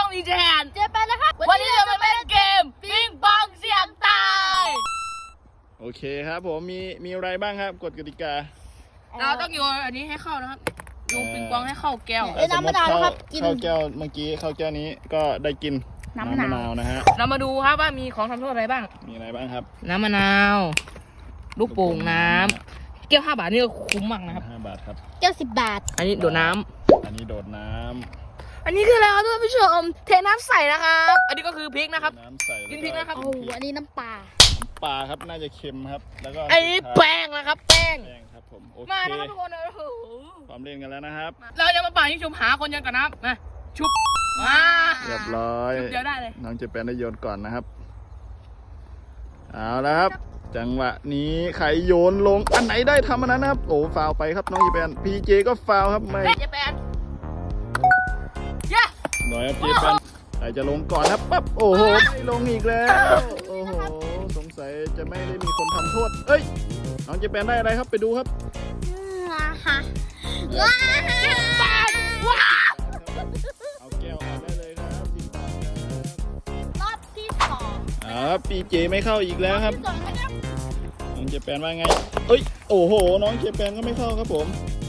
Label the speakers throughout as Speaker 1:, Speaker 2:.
Speaker 1: อีแจน
Speaker 2: เจแปนนะครับ
Speaker 1: วันนี้เราจะมาเล่นเกมปิงปองเสี่ยงตาย
Speaker 3: โอเคครับผมมีอะไรบ้างครับกฎกติกา
Speaker 1: เราต้องโยนอันนี้ให้เข้านะครับโยนปิงปองให้เข้าแก้ว
Speaker 3: ถ้าสมมติเข้าแก้วเมื่อกี้เข้าแก้วนี้ก็ได้กินน้ำมะนาวนะฮะ
Speaker 1: เรามาดูครับว่ามีของทำโทษอะไรบ้าง
Speaker 3: มีอะไรบ้างครับ
Speaker 1: น้ำมะนาวลูกโป่งน้ำแก้ว5 บาทนี่ก็คุ้มมากนะครับ
Speaker 3: 5 บาทครับ
Speaker 2: แก้ว10 บาท
Speaker 1: อันนี้โดดน้ำ
Speaker 3: อันนี้โดดน้
Speaker 1: อันนี้คืออะไรครับท่านผู้ชมเทน้ำใส่นะครับอันนี้ก็คือพริกนะครับ
Speaker 3: ำน้ำใส่
Speaker 1: กินพริกนะครับ
Speaker 2: โอ้โหอันนี้น้ำปลา
Speaker 3: ปลาครับน่าจะเค็มครับแล้วก็
Speaker 1: อันนี้แป้งนะครับแป้ง
Speaker 3: แป้งครับผมโอเค
Speaker 1: มานะครับทุกคนโอ้โห
Speaker 3: พร้อมเล่นกันแล้วนะครับ
Speaker 1: เราจะมาป่ายิงชุบหาคนยังกันนะครับมาชุบมา
Speaker 3: เรียบร้อย
Speaker 1: ชุบเดียวได้เลย
Speaker 3: น้องเจแปนได้โยนก่อนนะครับเอาแล้วครับจังหวะนี้ใครโยนลงอันไหนได้ทำอันนั้นนะครับโอ้ฟาวไปครับน้องเจแปนพีเจก็ฟาวครับไม่
Speaker 1: เฮ้ยเจแปนเย้
Speaker 3: หน่อยครับเจแปนใครจะลงก่อนครับปั๊บโอ้โหไม่ลงอีกแล้วโอ้โหสงสัยจะไม่ได้มีคนทำโทษเอ้ยน้องเจแปนได้อะไรครับไปดูครับ
Speaker 2: ว้าฮะ
Speaker 1: ปานว้า
Speaker 3: เอาแก้วออกได้เลยครับ10 บาทครับ
Speaker 2: รอบที่2
Speaker 3: ครับปีเจไม่เข้าอีกแล้วครับ
Speaker 2: ที่2นะครับ
Speaker 3: น้องเจแปนว่าไงเอ้ยโอ้โหน้องเจแปนก็ไม่เข้าครับผม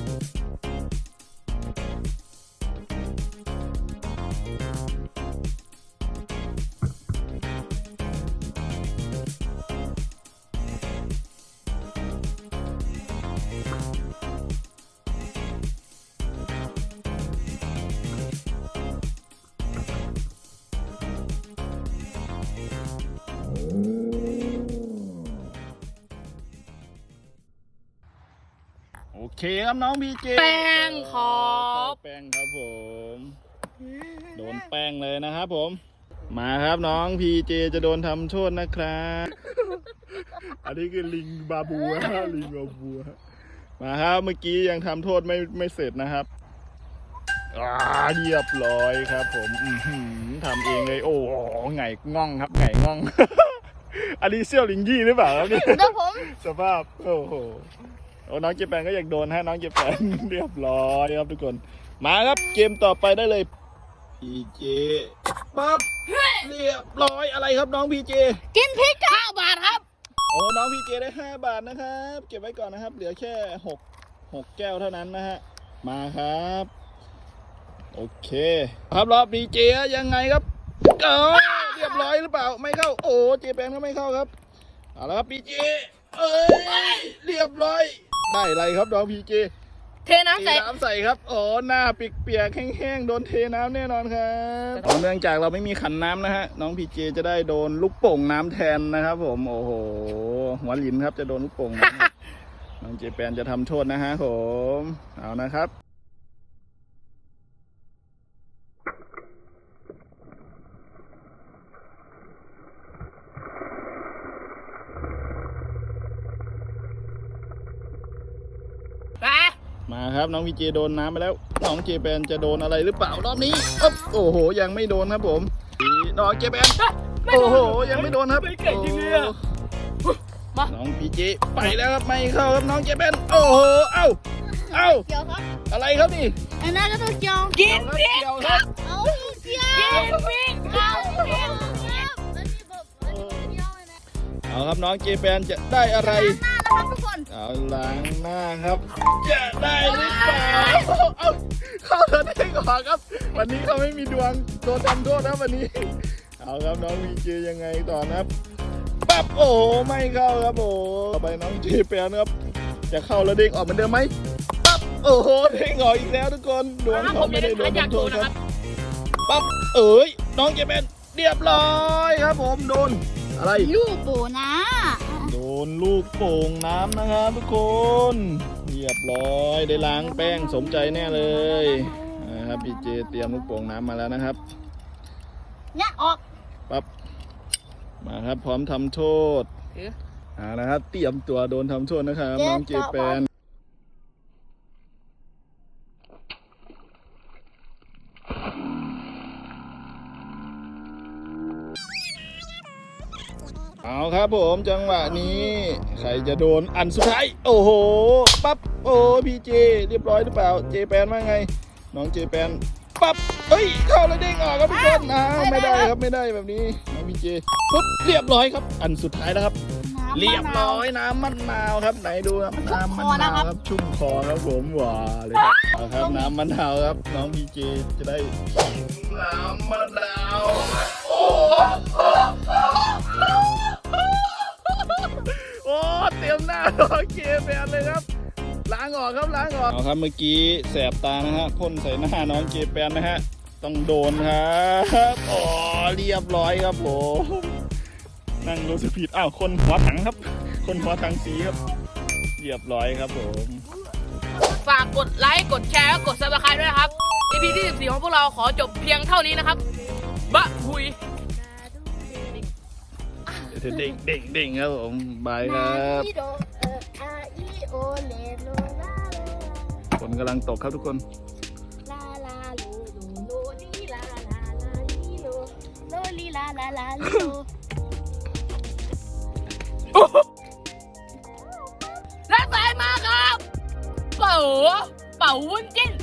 Speaker 3: โอเคครับน้องพีเจ
Speaker 1: แป้งขอบ
Speaker 3: แป้งครับผมโดนแป้งเลยนะครับผมมาครับน้องพีเจจะโดนทำโทษนะครับอันนี้คือลิงบาบูฮะลิงบาบูฮะมาครับเมื่อกี้ยังทำโทษไม่เสร็จนะครับเรียบร้อยครับผมทำเองเลยโอ้โหไงง่องครับไงง่อง อันนี้เซี่ยวลิงยี่หรือเปล่าครับเนี่ย
Speaker 2: เดี๋ยวผม
Speaker 3: สภาพโอ้โหน้องเจแปนก็อยากโดนฮะน้องเจแปน เรียบร้อยครับทุกคนมาครับเกมต่อไปได้เลยพีเจปั๊บเรียบร้อยอะไรครับน้องพีเจ
Speaker 2: กินพริกครับ
Speaker 1: 5 บาทครับ
Speaker 3: โอ้น้องพีเจได้5 บาทนะครับเก็บไว้ก่อนนะครับเหลือแค่6แก้วเท่านั้นนะฮะมาครับโอเคครับรอบพีเจยังไงครับเรียบร้อยหรือเปล่าไม่เข้าโอ้เจแปนก็ไม่เข้าครับเอาละครับพีเจเรียบร้อยได้อะไรครับน้องพีเจ
Speaker 1: เทน้ำใส่
Speaker 3: น้ำใส่ครับอ๋อหน้าเปียกๆแห้งๆโดนเทน้ำแน่นอนครับเนื่องจากเราไม่มีขันน้ำนะฮะน้องพีเจจะได้โดนลูกโป่งน้ำแทนนะครับผมโอ้โหหัวหลินครับจะโดนลูกโป่งน้ำ น้องเจแปนจะทำโทษนะฮะผมเอานะครับ
Speaker 1: ไป
Speaker 3: มาครับน้องพีเจโดนน้ำไปแล้วน้องเจแปนจะโดนอะไรหรือเปล่ารอบนี้โอ้โหยังไม่โดนครับผมน้องเจแปนโอ้โหยังไม่โดนครับ
Speaker 1: ไม่เก่งจริงเลยอะมา
Speaker 3: น้องพีเจไปแล้วครับไม่เข้าครับน้องเจแปนโอ้โหเอ้า
Speaker 2: เกี่ยวครับ
Speaker 3: อะไรครับนี่
Speaker 2: อันนั้นก็ต้องเกี่ยว
Speaker 1: กินพริก
Speaker 3: เกี่ยว
Speaker 1: ค
Speaker 3: ครั
Speaker 1: รับ บ
Speaker 2: เอาเกี่ยว
Speaker 1: กินพริกครับ
Speaker 2: เกี่ยวครับแล้วนี่แบบอันนี้เกี่ยวเลยนะ
Speaker 3: เอาครับน้องเจแปนจะได้อะไร
Speaker 2: หน้านะครับทุกคน
Speaker 3: เอาล้างหน้าครับจะได้หรือเปล่าเอาเข้าเธอได้ก่อนครับ วันนี้เขาไม่มีดวงโดนทำโทษนะวันนี้ เอาครับน้องวีเจยังไงต่อนะครับปั๊บโอ้โหไม่เข้าครับโอ้ต่อไปน้องเจแปนครับจะเข้าแล้วเด้งออกเหมือนเดิมไหมปั๊บโอ้โหเด้งออกอีกแล้วทุกคนดวงเขาไม่ได้โดนทำโทษครับปั๊บน้องเจแปนเรียบร้อยครับผมโดนอะไร
Speaker 2: ลูกโบนะ
Speaker 3: โดนลูกโป่งน้ำนะครับทุกคนเรียบร้อยได้ล้างแป้งสมใจแน่เลยนะครับพีเจเตรียมลูกโป่งน้ำมาแล้วนะครับ
Speaker 2: เนี่ยออก
Speaker 3: ปั๊บมาครับพร้อมทำโทษนะครับเตรียมตัวโดนทำโทษนะครับน้องเจแปนเอาครับผมจังหวะนี้ใครจะโดนอันสุดท้ายโอ้โหปั๊บโอ้พีเจเรียบร้อยหรือเปล่าเจแปนว่าไงน้องเจแปนปั๊บเฮ้ยเข้าแล้วเด้งออกครับทุกคนไม่ได้ครับไม่ได้แบบนี้น้องพีเจปุ๊บเรียบร้อยครับอันสุดท้ายแล้วครับเรียบร้อยน้ำมะนาวครับไหนดูครับน้ำมะนาวครับชุ่มคอครับผมหวานเลยครับเอาครับน้ำมะนาวครับน้องพีเจจะได้น้ำมะนาวโอ้เตรียมหน้าโอเคแบนเลยครับล้างออกครับล้างออกเอาครับเมื่อกี้แสบตานะฮะพ่นใส่หน้าน้องเจแปนนะฮะต้องโดนครับอ๋อเรียบร้อยครับผมนั่งรู้สึกผิดอ้าวคนหัวถังครับคนหัวถังสีครับเรียบร้อยครับผม
Speaker 1: ฝากกดไลค์กดแชร์กดซับสไครต์ด้วยนะครับ EP ที่14ของพวกเราขอจบเพียงเท่านี้นะครับบะหุย
Speaker 3: เด้งเด้งเด้งครับผมบายครับ
Speaker 2: อีโดอาอีโอเลโลลา
Speaker 3: ฝนกำลังตกครับทุกคน
Speaker 2: ลาลาโลโลโลลีลาลาลาลีโลโลลีลาลาลาลีโล
Speaker 1: และสายมาครับเป๋าวุ้นจิ้น